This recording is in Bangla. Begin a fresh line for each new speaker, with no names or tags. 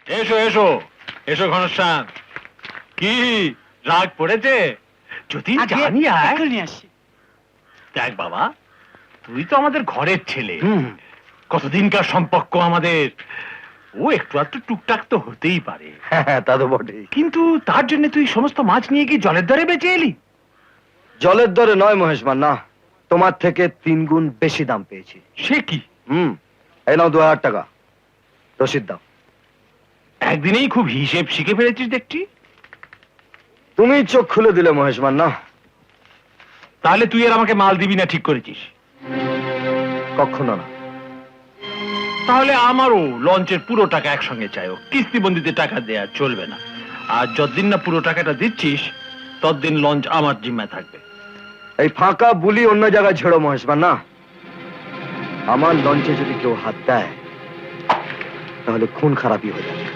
এসো এসো এসো ঘনশ্যাম, কি রাগ পড়েছে? যদি জানি আয়। দেখ বাবা, তুই তো আমাদের ঘরের ছেলে, কতদিনকার সম্পর্ক আমাদের, ও একটু একটু টুকটাক তো হতেই পারে।
হ্যাঁ তা তো বটেই,
কিন্তু তার জন্য তুই সমস্ত মাছ নিয়ে গিয়ে জলের দরে বেঁচে এলি?
জলের দরে নয় মহেশমান, না, তোমার থেকে 3 গুণ বেশি দাম পেয়েছি।
সে কি?
এই নাও 2000 টাকা, রসিদ দাও।
একদিনেই খুব হিসেব শিখে ফেলেছিস দেখছি।
তুমি চোখ খুলে দিলে মহেশমান, না।
তাহলে তুই আর আমাকে মাল দিবি না ঠিক করেছিস?
কখনো না।
তাহলে আমারও লঞ্চের পুরো টাকা একসঙ্গে চাই, কিস্তিবন্দিতে টাকা দেয়া চলবে না। আর যতদিন না পুরো টাকাটা দিচ্ছিস ততদিন লঞ্চ আমার জিম্মায় থাকবে।
এই ফাঁকা বুলি অন্য জায়গায় ছেড়ো মহেশমান, না। আমার লঞ্চে যদি কেউ হাত দেয় তাহলে খুন খারাপই হয়ে যাবে।